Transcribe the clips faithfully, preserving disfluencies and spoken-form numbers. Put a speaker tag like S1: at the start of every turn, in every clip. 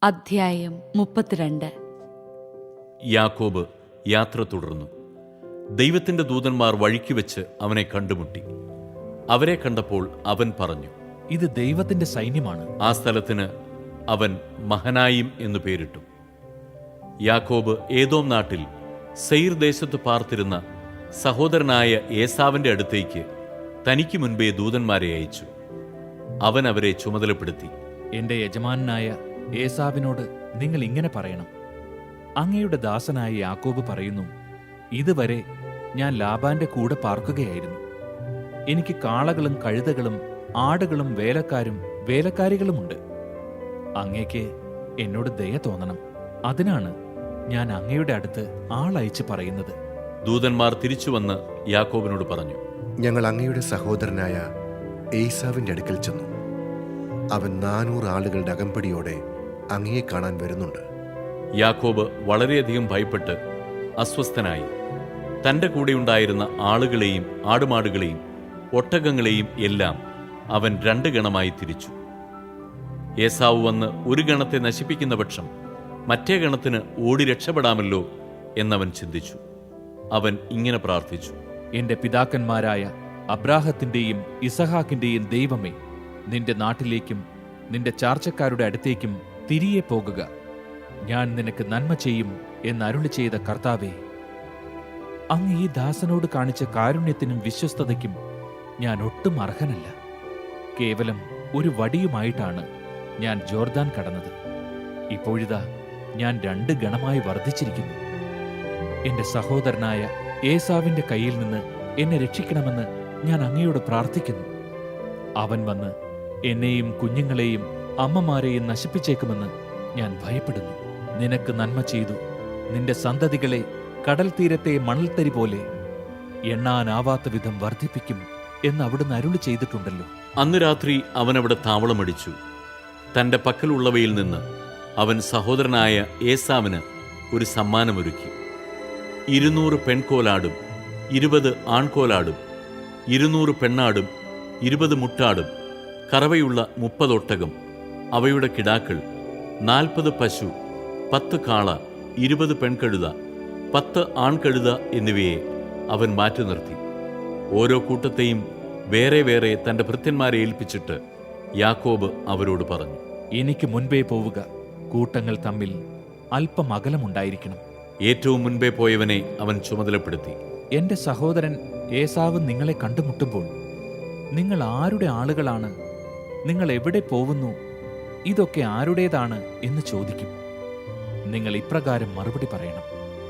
S1: അധ്യായം മുപ്പത്തിരണ്ട്.
S2: യാക്കോബ് യാത്ര തുടർന്നു. ദൈവത്തിന്റെ ദൂതന്മാർ വഴിക്ക് വെച്ച് അവനെ കണ്ടുമുട്ടി. അവരെ കണ്ടപ്പോൾ അവൻ പറഞ്ഞു,
S3: ഇത് ദൈവത്തിന്റെ സൈന്യമാണ്.
S2: ആ സ്ഥലത്തിന് അവൻ മഹനായിം എന്നു പേരിട്ടു. യാക്കോബ് ഏദോം നാട്ടിൽ സെയിർ ദേശത്ത് പാർത്തിരുന്ന സഹോദരനായ ഏസാവിന്റെ അടുത്തേക്ക് തനിക്ക് മുൻപേ ദൂതന്മാരെ അയച്ചു. അവൻ അവരെ ചുമതലപ്പെടുത്തി,
S3: എന്റെ യജമാനായ ഏസാവിനോട് നിങ്ങൾ ഇങ്ങനെ പറയണം, അങ്ങയുടെ ദാസനായ യാക്കോബ് പറയുന്നു, ഇതുവരെ ഞാൻ ലാബാന്റെ കൂടെ പാർക്കുകയായിരുന്നു. എനിക്ക് കാളകളും കഴുതകളും ആടുകളും വേലക്കാരും വേലക്കാരികളുമുണ്ട്. അങ്ങേക്ക് എന്നോട് ദയ തോന്നണം. അതിനാണ് ഞാൻ അങ്ങയുടെ അടുത്ത് ആളയച്ച് പറയുന്നത്.
S2: ദൂതന്മാർ തിരിച്ചുവന്ന് യാക്കോബിനോട് പറഞ്ഞു,
S4: ഞങ്ങൾ അങ്ങയുടെ സഹോദരനായ ഏസാവിന്റെ അടുക്കൽ ചെന്നു. അവൻ നാനൂറ് ആളുകളുടെ അകമ്പടിയോടെ അങ്ങയെ കാണാൻ വരുന്നുണ്ട്.
S2: യാക്കോബ് വളരെയധികം ഭയപ്പെട്ട് അസ്വസ്ഥനായി. തന്റെ കൂടെയുണ്ടായിരുന്ന ആളുകളെയും ആടുമാടുകളെയും ഒട്ടകങ്ങളെയും എല്ലാം അവൻ രണ്ട് ഗണമായി തിരിച്ചു. ഏസാവ് വന്ന് ഒരു ഗണത്തെ നശിപ്പിക്കുന്ന പക്ഷം മറ്റേ ഗണത്തിന് ഓടി രക്ഷപ്പെടാമല്ലോ എന്നവൻ ചിന്തിച്ചു. അവൻ ഇങ്ങനെ പ്രാർത്ഥിച്ചു,
S3: എന്റെ പിതാക്കന്മാരായ അബ്രാഹത്തിന്റെയും ഇസഹാക്കിന്റെയും ദൈവമേ, നിന്റെ നാട്ടിലേക്കും നിന്റെ ചാർച്ചക്കാരുടെ അടുത്തേക്കും തിരികെ പോകുക. ഞാൻ നിനക്ക് നന്മ ചെയ്യും എന്നരുളി ചെയ്ത കർത്താവേ, അങ്ങ് ഈ ദാസനോട് കാണിച്ച കാരുണ്യത്തിനും വിശ്വസ്തതയ്ക്കും ഞാൻ ഒട്ടും അർഹനല്ല. കേവലം ഒരു വടിയുമായിട്ടാണ് ഞാൻ ജോർദാൻ കടന്നത്. ഇപ്പോഴിതാ ഞാൻ രണ്ട് ഗണമായി വർദ്ധിച്ചിരിക്കുന്നു. എന്റെ സഹോദരനായ ഏസാവിന്റെ കയ്യിൽ നിന്ന് എന്നെ രക്ഷിക്കണമെന്ന് ഞാൻ അങ്ങയോട് പ്രാർത്ഥിക്കുന്നു. അവൻ വന്ന് എന്നെയും കുഞ്ഞുങ്ങളെയും അമ്മമാരെയും നശിപ്പിച്ചേക്കുമെന്ന് ഞാൻ ഭയപ്പെടുന്നു. നിനക്ക് നന്മ ചെയ്തു നിന്റെ സന്തതികളെ കടൽ തീരത്തെ മണൽത്തരി പോലെ എണ്ണാനാവാത്ത വിധം വർദ്ധിപ്പിക്കും എന്ന് അവിടുന്ന് അരുളി ചെയ്തിട്ടുണ്ടല്ലോ.
S2: അന്ന് രാത്രി അവനവിടെ താവളമടിച്ചു. തന്റെ പക്കലുള്ളവയിൽ നിന്ന് അവൻ സഹോദരനായ ഏസാവിന് ഒരു സമ്മാനമൊരുക്കി. ഇരുന്നൂറ് പെൺകോലാടും ഇരുപത് ആൺകോലാടും ഇരുന്നൂറ് പെണ്ണാടും ഇരുപത് മുട്ടാടും കറവയുള്ള മുപ്പതൊട്ടകം, അവയുടെ കിടാക്കൾ, നാൽപ്പത് പശു, പത്ത് കാള, ഇരുപത് പെൺകഴുത, പത്ത് ആൺകഴുത എന്നിവയെ അവൻ മാറ്റി നിർത്തി. ഓരോ കൂട്ടത്തെയും വേറെ വേറെ തന്റെ ഭൃത്യന്മാരെ ഏൽപ്പിച്ചിട്ട് യാക്കോബ് അവരോട് പറഞ്ഞു,
S3: എനിക്ക് മുൻപേ പോവുക. കൂട്ടങ്ങൾ തമ്മിൽ അല്പം അകലമുണ്ടായിരിക്കണം.
S2: ഏറ്റവും മുൻപേ പോയവനെ അവൻ ചുമതലപ്പെടുത്തി.
S3: എന്റെ സഹോദരൻ ഏസാവ് നിങ്ങളെ കണ്ടുമുട്ടുമ്പോൾ നിങ്ങൾ ആരുടെ ആളുകളാണ്, നിങ്ങൾ എവിടെ പോവുന്നു, ഇതൊക്കെ ആരുടേതാണ് എന്ന് ചോദിക്കും. നിങ്ങൾ ഇപ്രകാരം മറുപടി പറയണം,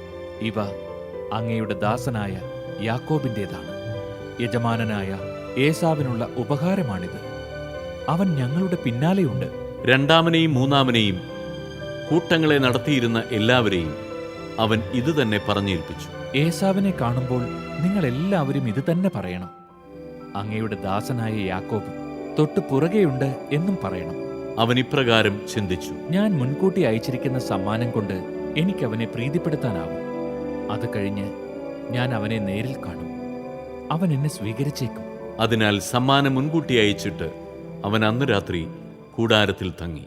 S3: ഇവ അങ്ങയുടെ ദാസനായ യാക്കോബിൻ്റേതാണ്. യജമാനനായ ഏസാവിനുള്ള ഉപകാരമാണിത്. അവൻ ഞങ്ങളുടെ പിന്നാലെയുണ്ട്.
S2: രണ്ടാമനെയും മൂന്നാമനെയും കൂട്ടങ്ങളെ നടത്തിയിരുന്ന എല്ലാവരെയും അവൻ ഇതുതന്നെ പറഞ്ഞേൽപ്പിച്ചു.
S3: ഏസാവിനെ കാണുമ്പോൾ നിങ്ങൾ എല്ലാവരും ഇത് തന്നെ പറയണം, അങ്ങയുടെ ദാസനായ യാക്കോബ് തൊട്ടു പുറകെയുണ്ട് എന്നും പറയണം.
S2: അവൻ ഇപ്രകാരം ചിന്തിച്ചു,
S3: ഞാൻ മുൻകൂട്ടി അയച്ചിരിക്കുന്ന സമ്മാനം കൊണ്ട് എനിക്ക് അവനെ പ്രീതിപ്പെടുത്താനാവും. അത് കഴിഞ്ഞ് ഞാൻ അവനെ നേരിൽ കാണും. അവൻ എന്നെ സ്വീകരിച്ചേക്കും.
S2: അതിനാൽ സമ്മാനം മുൻകൂട്ടി അയച്ചിട്ട് അവൻ അന്ന് രാത്രി കൂടാരത്തിൽ തങ്ങി.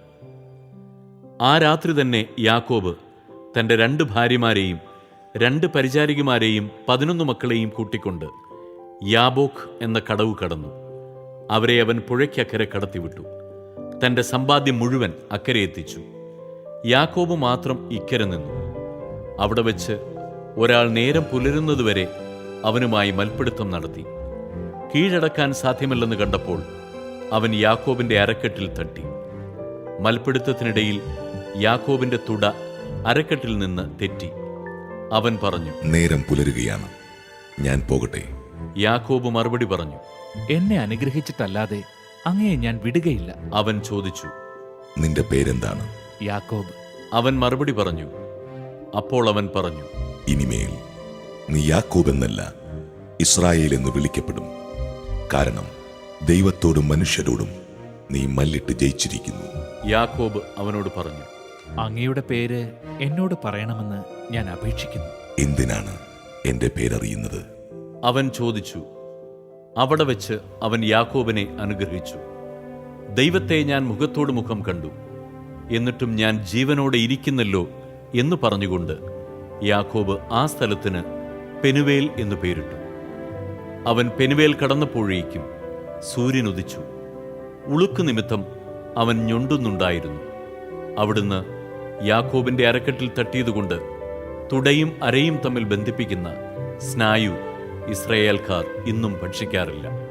S2: ആ രാത്രി തന്നെ യാക്കോബ് തന്റെ രണ്ട് ഭാര്യമാരെയും രണ്ട് പരിചാരികമാരെയും പതിനൊന്ന് മക്കളെയും കൂട്ടിക്കൊണ്ട് യാബോക്ക് എന്ന കടവ് കടന്നു. അവരെ അവൻ പുഴയ്ക്കക്കരെ കടത്തിവിട്ടു. തന്റെ സമ്പാദ്യം മുഴുവൻ അക്കരെ എത്തിച്ചു. യാക്കോബ് മാത്രം ഇക്കരെ നിന്നു. അവിടെ വെച്ച് ഒരാൾ നേരം പുലരുന്നതുവരെ അവനുമായി മൽപ്പിടുത്തം നടത്തി. കീഴടക്കാൻ സാധ്യമല്ലെന്ന് കണ്ടപ്പോൾ അവൻ യാക്കോബിന്റെ അരക്കെട്ടിൽ തട്ടി. മൽപ്പിടുത്തത്തിനിടയിൽ യാക്കോബിന്റെ തുട അരക്കെട്ടിൽ നിന്ന് തെറ്റി. അവൻ പറഞ്ഞു,
S5: നേരം പുലരുകയാണ്, ഞാൻ പോകട്ടെ.
S2: യാക്കോബ് മറുപടി പറഞ്ഞു,
S3: എന്നെ അനുഗ്രഹിച്ചിട്ടല്ലാതെ അങ്ങയെ ഞാൻ വിടുകയില്ല.
S2: അവൻ ചോദിച്ചു,
S5: നിന്റെ പേരെന്താണ്?
S3: യാക്കോബ്.
S2: അവൻ മറുപടി പറഞ്ഞു. അപ്പോൾ അവൻ പറഞ്ഞു,
S5: ഇനിമേൽ നീ യാക്കോബ് എന്നല്ല, ഇസ്രായേൽ എന്ന് വിളിക്കപ്പെടും. കാരണം ദൈവത്തോടും മനുഷ്യരോടും നീ മല്ലിട്ട് ജയിച്ചിരിക്കുന്നു.
S2: യാക്കോബ് അവനോട് പറഞ്ഞു,
S3: അങ്ങയുടെ പേര് എന്നോട് പറയണമെന്ന് ഞാൻ അപേക്ഷിക്കുന്നു.
S5: എന്തിനാണ് എന്റെ പേരറിയുന്നത്?
S2: അവൻ ചോദിച്ചു. അവിടെ വെച്ച് അവൻ യാക്കോബിനെ അനുഗ്രഹിച്ചു. ദൈവത്തെ ഞാൻ മുഖത്തോട് മുഖം കണ്ടു. എന്നിട്ടും ഞാൻ ജീവനോടെ ഇരിക്കുന്നല്ലോ എന്ന് പറഞ്ഞുകൊണ്ട് യാക്കോബ് ആ സ്ഥലത്തിന് പെനുവേൽ എന്നു പേരിട്ടു. അവൻ പെനുവേൽ കടന്നപ്പോഴേക്കും സൂര്യൻ ഉദിച്ചു. ഉളുക്ക് നിമിത്തം അവൻ ഞൊണ്ടുന്നുണ്ടായിരുന്നു. അവിടുന്ന് യാക്കോബിന്റെ അരക്കെട്ടിൽ തട്ടിയതുകൊണ്ട് തുടയും അരയും തമ്മിൽ ബന്ധിപ്പിക്കുന്ന സ്നായു ഇസ്രായേൽക്കാർ ഇന്നും ഭക്ഷിക്കാറില്ല.